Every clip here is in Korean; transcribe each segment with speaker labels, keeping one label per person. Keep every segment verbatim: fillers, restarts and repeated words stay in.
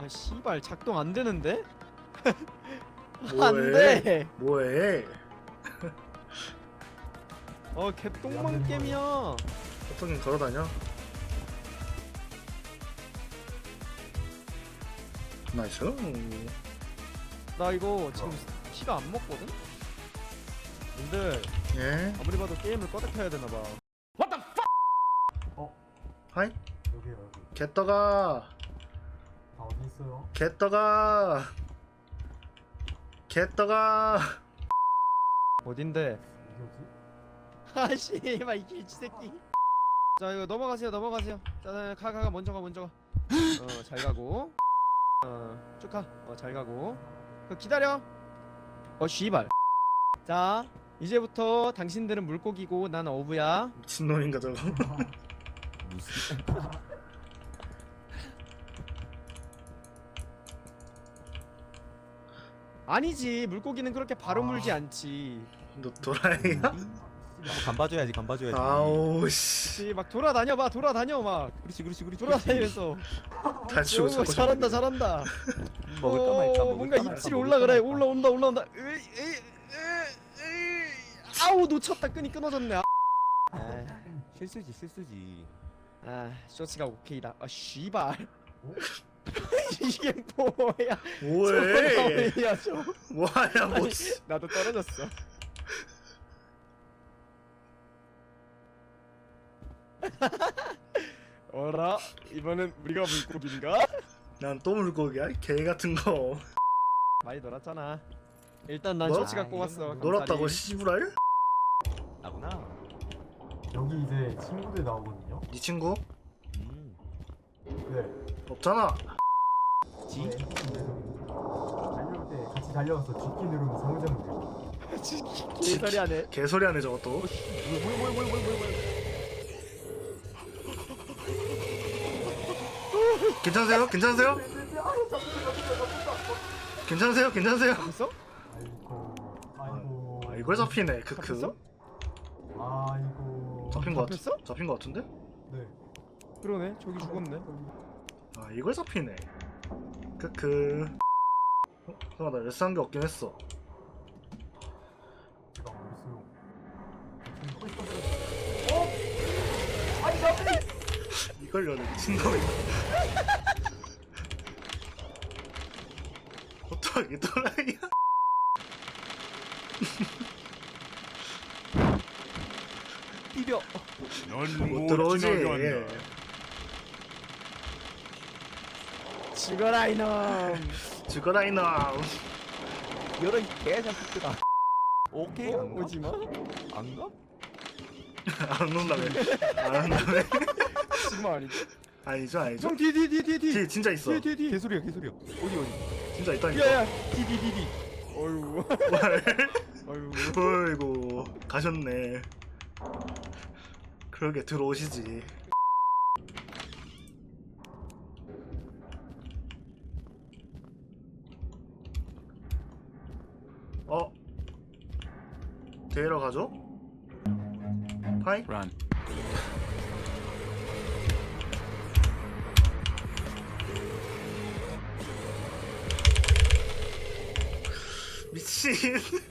Speaker 1: 아 씨발 작동 안 되는데?
Speaker 2: 뭐해?
Speaker 1: 안 돼.
Speaker 2: 뭐해?
Speaker 1: 어 개똥망 게임이야.
Speaker 2: 어떻게 걸어다녀? 나이스.
Speaker 1: 나 이거 지금 피가 안 먹거든? 근데
Speaker 2: 예.
Speaker 1: 아무리 봐도 게임을 꺼다 켜야 되나봐.
Speaker 2: 하이.
Speaker 3: 여기요 여기.
Speaker 2: 개떡아.
Speaker 3: 다 어디 있어요?
Speaker 2: 개떡아. 개떡아.
Speaker 1: 어딘데?
Speaker 3: 어디지?
Speaker 1: 아씨 막 이 길치 새끼. 자 이거 넘어가세요 넘어가세요. 자 가 가 가 먼저 가 먼저 가. 어 잘 가고. 어 쭉 가. 어 잘 가고. 그 기다려. 어 씨발. 자 이제부터 당신들은 물고기고 난 어부야.
Speaker 2: 미친놈인가 저거.
Speaker 4: 무슨
Speaker 1: 아니지 물고기는 그렇게 바로
Speaker 3: 아.
Speaker 1: 물지 않지.
Speaker 2: 너 도라이야?
Speaker 4: 간 봐줘야지 간 봐줘야지.
Speaker 2: 아우 씨.
Speaker 1: 그렇지 막 돌아다녀 봐 돌아다녀 막
Speaker 4: 그렇지 그렇지 그렇지.
Speaker 1: 돌아다니면서.
Speaker 2: 다치고
Speaker 1: 오,
Speaker 2: 자고
Speaker 1: 잘한다 잘한다.
Speaker 4: 먹을까 말까.
Speaker 1: 어,
Speaker 4: 먹을까
Speaker 1: 뭔가
Speaker 4: 말까,
Speaker 1: 입질이
Speaker 4: 먹을까
Speaker 1: 올라 그래.
Speaker 4: 말까.
Speaker 1: 올라온다 올라온다. 으이, 으이, 으이, 으이. 아우 놓쳤다. 끈이 끊어졌네. 아,
Speaker 4: 실수지 실수지.
Speaker 1: 아 쇼츠가 오케이다. 아 씨발.
Speaker 3: 어?
Speaker 1: 이게 뭐야?
Speaker 2: 뭐해?
Speaker 1: 뭐야 저?
Speaker 2: 뭐하냐 뭐.
Speaker 1: 아니, 나도 떨어졌어. 어라? 이번엔 우리가 물고기인가?
Speaker 2: 난 또 물고기야? 개 같은 거.
Speaker 1: 많이 놀았잖아. 일단 난
Speaker 2: 뭐?
Speaker 1: 쇼츠가
Speaker 4: 아,
Speaker 1: 꼽았어.
Speaker 4: 이건
Speaker 2: 놀았다고
Speaker 1: 감사리.
Speaker 2: 씨부랄?
Speaker 4: 나구나.
Speaker 3: 여기 이제 친구들 나오거든요.
Speaker 2: 네 친구?
Speaker 4: 음.
Speaker 3: 네.
Speaker 2: 없잖아.
Speaker 4: 지?
Speaker 3: 네, 달려올 때 같이 달려와서 뒷키 누르면 상호작용 돼요.
Speaker 1: 개소리 하네.
Speaker 2: 개소리 하네 저것도.
Speaker 4: 뭐야 뭐야 뭐야 뭐야 뭐야.
Speaker 2: 괜찮으세요? 괜찮으세요? 괜찮으세요? 괜찮으세요?
Speaker 1: 있어?
Speaker 3: 아이고. 아이고.
Speaker 2: 아 이걸 잡히네.
Speaker 1: 잡혔어?
Speaker 2: 크크.
Speaker 3: 아이고.
Speaker 2: 잡힌 거 같.
Speaker 1: 잡혔어?
Speaker 2: 잡힌 거 같은데?
Speaker 3: 네.
Speaker 1: 그러네. 저기 죽었네.
Speaker 2: 아 이걸 잡히네. 크크. 어? 잠깐만 나 레스 한 게 없긴 했어.
Speaker 3: 제가 어딨어요?
Speaker 2: 이걸 여는 미친놈이다. 어떡하게 또라이야?
Speaker 1: 비벼.
Speaker 2: 못 들어오지.
Speaker 1: 죽어라 이놈.
Speaker 2: 죽어라 이놈.
Speaker 4: 여러 이 개자식들아. 오케이
Speaker 1: 어?
Speaker 4: 안 가?
Speaker 1: 오지 마.
Speaker 4: 안 가?
Speaker 2: 안 온다며. 안 온다며.
Speaker 1: 지금 아니지?
Speaker 2: 아니죠 아니죠.
Speaker 1: 형 뒤 뒤 뒤 뒤 뒤.
Speaker 2: 뒤 진짜 있어.
Speaker 1: 뒤 뒤 뒤.
Speaker 4: 개소리야 개소리야. 어디 어디?
Speaker 2: 진짜 있다니까.
Speaker 1: 야야 뒤 뒤 뒤 뒤. 어유. 어유.
Speaker 2: 어이구 가셨네. 그러게 들어오시지. 어? 데리러 가죠? 파이?
Speaker 4: 란.
Speaker 2: 미친.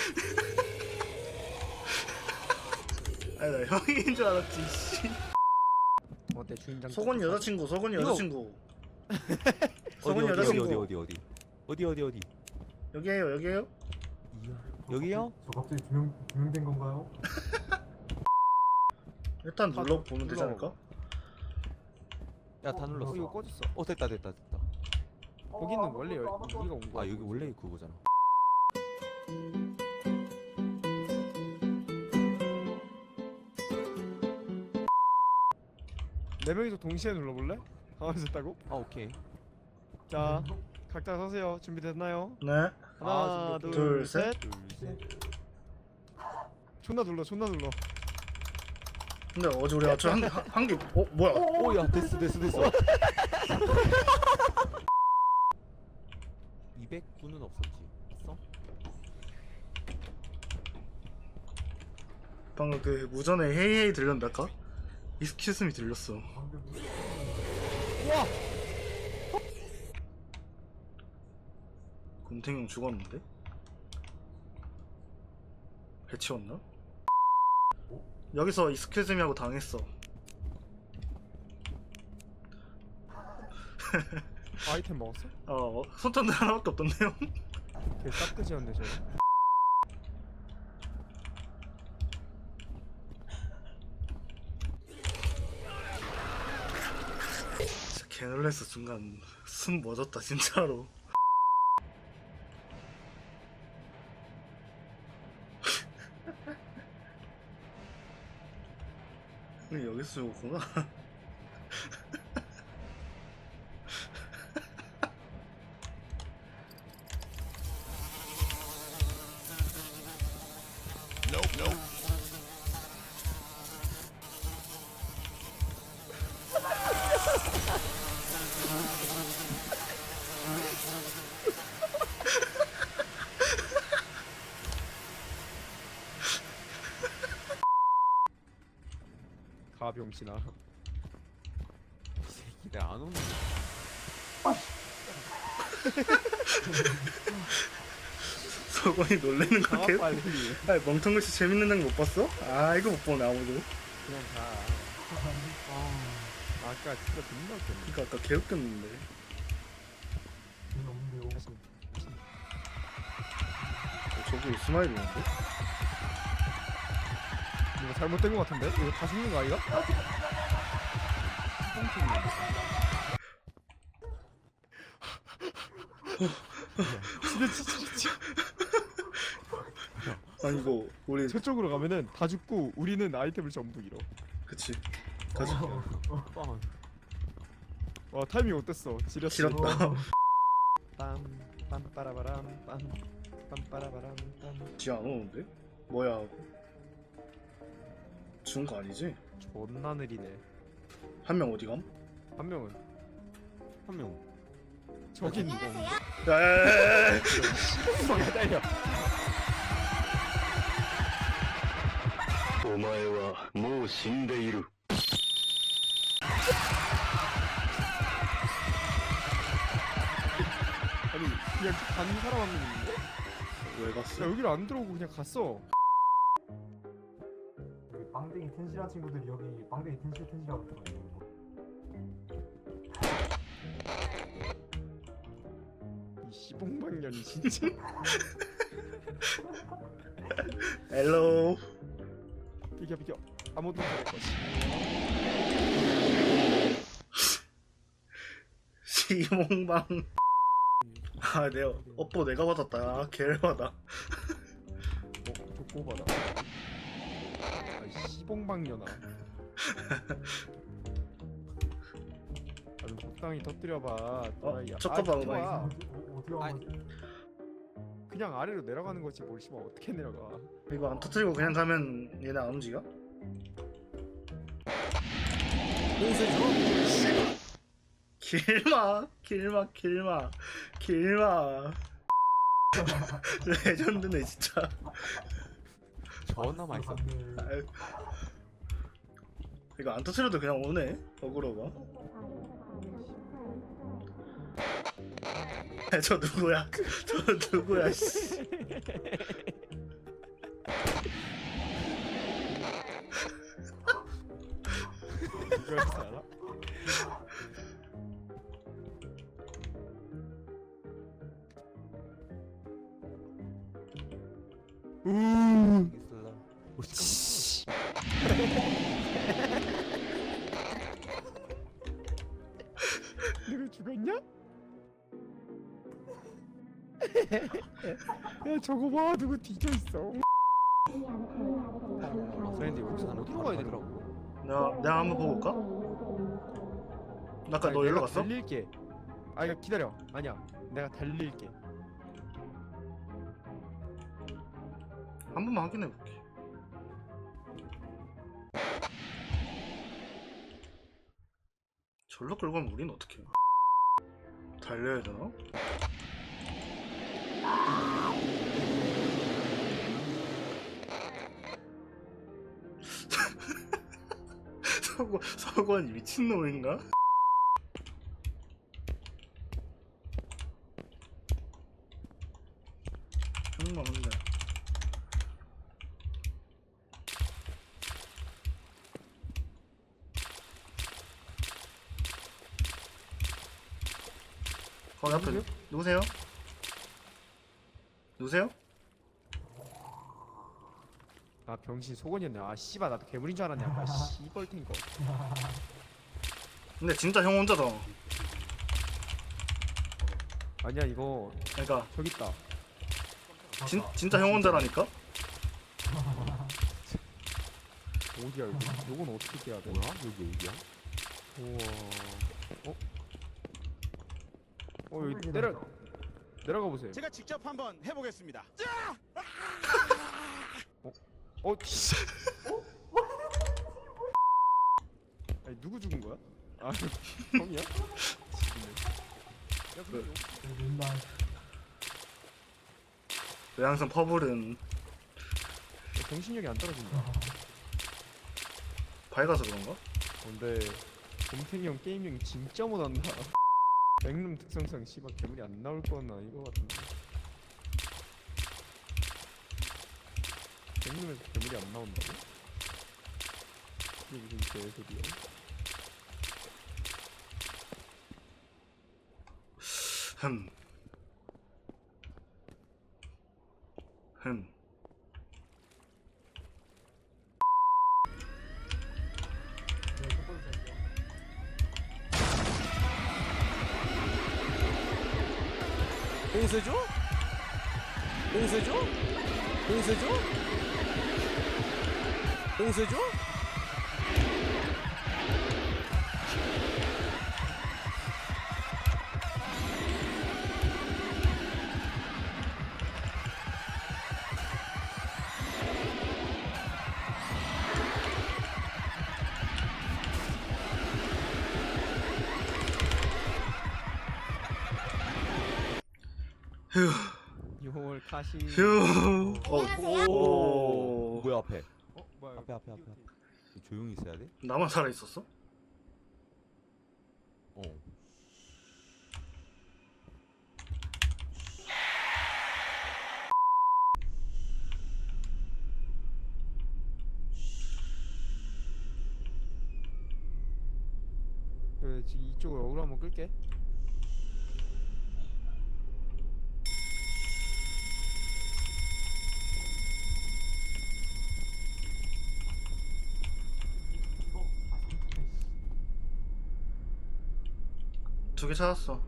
Speaker 2: 아니 나 형인 줄 알았지. 씨.
Speaker 1: 어때 주인장?
Speaker 2: 속은 여자친구, 속은
Speaker 1: 이거-
Speaker 2: 여자친구.
Speaker 4: 어디
Speaker 2: 속은
Speaker 4: 어디 어디
Speaker 2: 여자친구.
Speaker 4: 어디 어디 어디 어디 어디 어디.
Speaker 2: 여기에요, 여기에요.
Speaker 4: 이야.
Speaker 3: 저
Speaker 4: 여기요?
Speaker 3: 갑자기- 저 갑자기 두명 두명된 건가요?
Speaker 2: 일단
Speaker 1: 다
Speaker 2: 눌러 보면 되지
Speaker 1: 눌러.
Speaker 2: 않을까?
Speaker 4: 야 다
Speaker 1: 어,
Speaker 4: 눌렀어.
Speaker 1: 이거 꺼졌어.
Speaker 4: 어 됐다 됐다 됐다.
Speaker 1: 거기는 원래 여, 여기가 온 거야.
Speaker 4: 아 여기 원래 그거잖아.
Speaker 1: 네 명이서 동시에 눌러볼래? 가만히 있었다고?
Speaker 4: 아 오케이.
Speaker 1: 자 각자 서세요. 준비됐나요?
Speaker 2: 네.
Speaker 1: 하나
Speaker 4: 아,
Speaker 1: 둘,
Speaker 2: 둘,
Speaker 1: 셋.
Speaker 2: 셋.
Speaker 4: 둘 셋.
Speaker 1: 존나 눌러 존나 눌러.
Speaker 2: 근데 어제 우리 아침 한한개 어 뭐야?
Speaker 4: 오야 됐어 됐어 됐어. 이백구는 없었지. 있어?
Speaker 2: 방금 그 무전에 헤이헤이 들렸달까? 익스큐스미 들렸어.
Speaker 3: 방금
Speaker 1: 우와.
Speaker 2: 곰탱형 죽었는데? 해치웠나? 여기서 이스케즈미하고 당했어.
Speaker 1: 아이템 먹었어?
Speaker 2: 어, 손전등 하나밖에 없던데요?
Speaker 1: 걔 싹돼지였네 저거.
Speaker 2: 진짜 개놀랬어. 순간 숨 멎었다 진짜로. 여기서 죽었구나.
Speaker 1: 가병신아.
Speaker 4: 이 새끼 내가 안 오는
Speaker 2: 서건이 놀래는 거
Speaker 1: 가
Speaker 2: 개.
Speaker 1: 빨리.
Speaker 2: 아니, 멍텅글씨 재밌는 장면 못 봤어? 아 이거 못 보네 아무도.
Speaker 1: 그냥 가. 아, 아까 진짜 존나 웃겼네.
Speaker 2: 그니까 아까 개웃겼는데.
Speaker 3: 돈이 없는데요.
Speaker 1: 다시.
Speaker 2: 어, 저기 이스마일이었는데?
Speaker 1: 이거 잘못된 거 같은데? 이거 다 죽는 거 아이가? 진짜 진짜 진짜.
Speaker 2: 아니 이거 우리
Speaker 1: 저쪽으로 가면은 다 죽고 우리는 아이템을 전부 잃어.
Speaker 2: 그치 가자.
Speaker 4: 빵.
Speaker 1: 와 타이밍 어땠어? 지렸어.
Speaker 2: 길었다.
Speaker 1: 빰 빰빠라바람 빰 빰빠라바람 빰.
Speaker 2: 뒤 안 오는데? 뭐야? 죽은 거 아니지?
Speaker 1: 존나 느리네.
Speaker 2: 한 명 어디 감?
Speaker 1: 한 명은
Speaker 4: 한 명.
Speaker 1: 저기 있는 거.
Speaker 2: 야야야야야!
Speaker 1: 야 달려.
Speaker 5: お前はもう死んでいる。
Speaker 1: 아니 그냥 간 사람 한 명 있는데?
Speaker 2: 왜
Speaker 1: 야
Speaker 2: 갔어?
Speaker 1: 여기를 안 들어오고 그냥 갔어.
Speaker 3: 여기 빵댕이 텐실한 친구들이 여기 빵댕이 텐실 텐실하고 있거든요.
Speaker 1: 이 씨봉방년이 진짜.
Speaker 2: 헬로.
Speaker 1: 비켜 비켜. 아무도 못할 거지.
Speaker 2: 시몽방. 아 내가 업보 내가 받았다. 아 개열받아.
Speaker 1: 어? 족보 봐라. 아 씨봉방년아. 아좀 적당히 터뜨려봐. 또라이야.
Speaker 2: 잠깐만,
Speaker 1: 아, 비켜봐.
Speaker 2: 나
Speaker 3: 어디 어- 어디가
Speaker 4: 아니.
Speaker 1: 그냥 아래로 내려가는 거지 뭘 씨발 어떻게 내려가.
Speaker 2: 이거 안 터뜨리고 그냥 가면 얘네 안 움직여? 길마 길마 길마 길마. 레전드네 진짜.
Speaker 4: 존나 맛있어.
Speaker 3: 갔네.
Speaker 2: 아유. 이거 안 터뜨려도 그냥 오네. 어그로가. 야, 저 누구야? 저 누구야? 씨.
Speaker 1: 이걸 알아? 우.
Speaker 4: 있을라.
Speaker 1: 내가 죽었냐? 야 저거 봐 누구 뒤져있어.
Speaker 4: 그런데 여기서 난
Speaker 1: 어디로 가야 되더라고.
Speaker 2: 내가 내가 한번 보고 올까? 아까 너 일로 갔어?
Speaker 1: 달릴게. 아 이거 기다려. 아니야. 내가 달릴게.
Speaker 2: 한 번만 확인해 볼게. 절로 끌고 가면 우린 어떻게? 달려야 되나? 서건 서건이 미친놈인가? 상관없는데. 거기 앞에 누, 누구세요? 누구세요?
Speaker 1: 아 병신 속원이었네. 아 씨발 나도 괴물인 줄 알았네. 아까 씨벌탱 거.
Speaker 2: 근데 진짜 형 혼자다.
Speaker 1: 아니야 이거
Speaker 2: 그러니까
Speaker 1: 저기 있다.
Speaker 2: 진, 진짜 형 혼자라니까?
Speaker 1: 어디야 여기? 요건 어떻게 깨야 돼?
Speaker 4: 뭐야? 여기 어디야?
Speaker 1: 우와. 어? 어 여기 내려 내려가 보세요.
Speaker 6: 제가 직접 한번 해보겠습니다.
Speaker 1: 어? 씨. 아니 누구 죽은 거야? 아 형이야? 야 근데 요-
Speaker 3: 맨날
Speaker 2: 왜 항상 퍼블은
Speaker 1: 야, 정신력이 안 떨어진다.
Speaker 2: 밝아서 그런가?
Speaker 1: 근데 곰탱이 형 게임력이 진짜 못한다. 백룸 특성상 씨발 괴물이 안 나올 건 아닌 것 같은데. 백룸에서 괴물이 안 나온다고? 이게 무슨 개소리야?
Speaker 2: 흠. 흠.
Speaker 3: 내가 첫 번째 할게요.
Speaker 4: 봉쇄죠? 봉쇄죠? 봉쇄죠? 봉쇄죠?
Speaker 2: 휴.
Speaker 1: 이월 카시.
Speaker 2: 휴. 어.
Speaker 4: 오.
Speaker 2: 오.
Speaker 4: 뭐야 앞에?
Speaker 1: 어 뭐야?
Speaker 4: 앞에 앞에 앞에. 조용히 있어야 돼?
Speaker 2: 나만 살아 있었어?
Speaker 4: 어.
Speaker 1: 그 지금 이쪽으로 어그로 한번 끌게.
Speaker 3: 이거 아 잠깐만.
Speaker 2: 두 개 찾았어.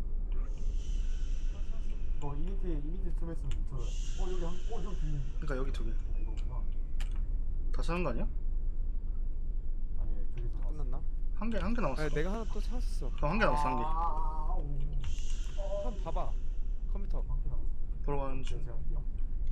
Speaker 3: 이거 이미트 이미트 좀 했으면 저. 어 여기 한. 어 여기 뒤에.
Speaker 2: 그러니까 여기 두 개.
Speaker 3: 이거구나.
Speaker 2: 다 찾은 거 아니야?
Speaker 3: 아니 저기서 나왔어.
Speaker 1: 끝났나?
Speaker 2: 한 개, 한 개 남았어.
Speaker 1: 아니 내가 하나 또 찾았어.
Speaker 2: 그럼 한 개 남았어, 한 개.
Speaker 3: 아, 오.
Speaker 1: 한번 봐봐. 컴퓨터.
Speaker 3: 한개 남았어.
Speaker 2: 보러 가는 중.
Speaker 3: 제가 할게요.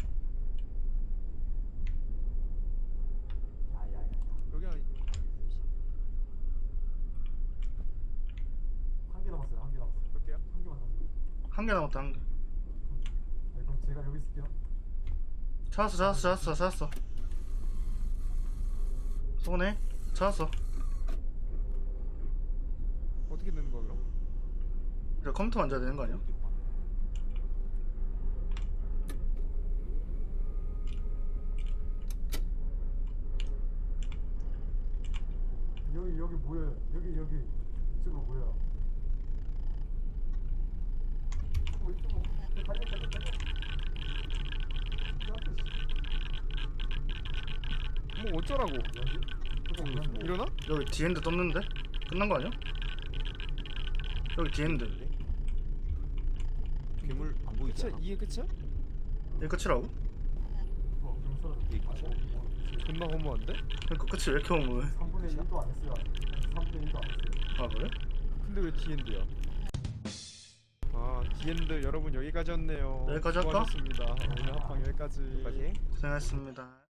Speaker 3: 야야야.
Speaker 1: 여기 한
Speaker 3: 한 개 남았어요. 한 개 남았어요.
Speaker 1: 몇 개야?
Speaker 3: 한 개만 남았어요.
Speaker 2: 한 개 남았다, 한 개.
Speaker 3: 네, 그럼 제가 여기 있을게요.
Speaker 2: 찾았어, 찾았어, 찾았어, 찾았어. 손에 찾았어.
Speaker 1: 어떻게 되는 거야 그럼?
Speaker 2: 이제 컴퓨터 만져야 되는 거 아니야?
Speaker 3: 여기 여기 모여요. 여기 여기 이쪽으로 모여요. 어, 이쪽으로 달려 달려 달려.
Speaker 1: 뭐 어쩌라고?
Speaker 3: 여기?
Speaker 1: 일어나?
Speaker 2: 여기 디엔드 떴는데? 끝난 거 아니야? 여기 디엔드.
Speaker 4: 괴물 안 보이지
Speaker 1: 끝이야?
Speaker 4: 않아?
Speaker 1: 이게 끝이야?
Speaker 2: 이게 끝이라고?
Speaker 3: 어, 좀 썰어.
Speaker 4: 이게
Speaker 3: 아,
Speaker 4: 끝이야?
Speaker 3: 어, 어,
Speaker 1: 존나 허무한데?
Speaker 2: 그러니까 끝이 왜 이렇게 오면?
Speaker 3: 삼분의 일도 안 했어요. 삼분의 일도 안 했어요.
Speaker 2: 아 그래?
Speaker 1: 근데 왜 디엔드야? 아 디엔드 여러분 여기까지였네요.
Speaker 2: 여기까지 할까?
Speaker 1: 수고하셨습니다. 오늘 합방 여기까지.
Speaker 4: 여기까지?
Speaker 2: 고생하셨습니다.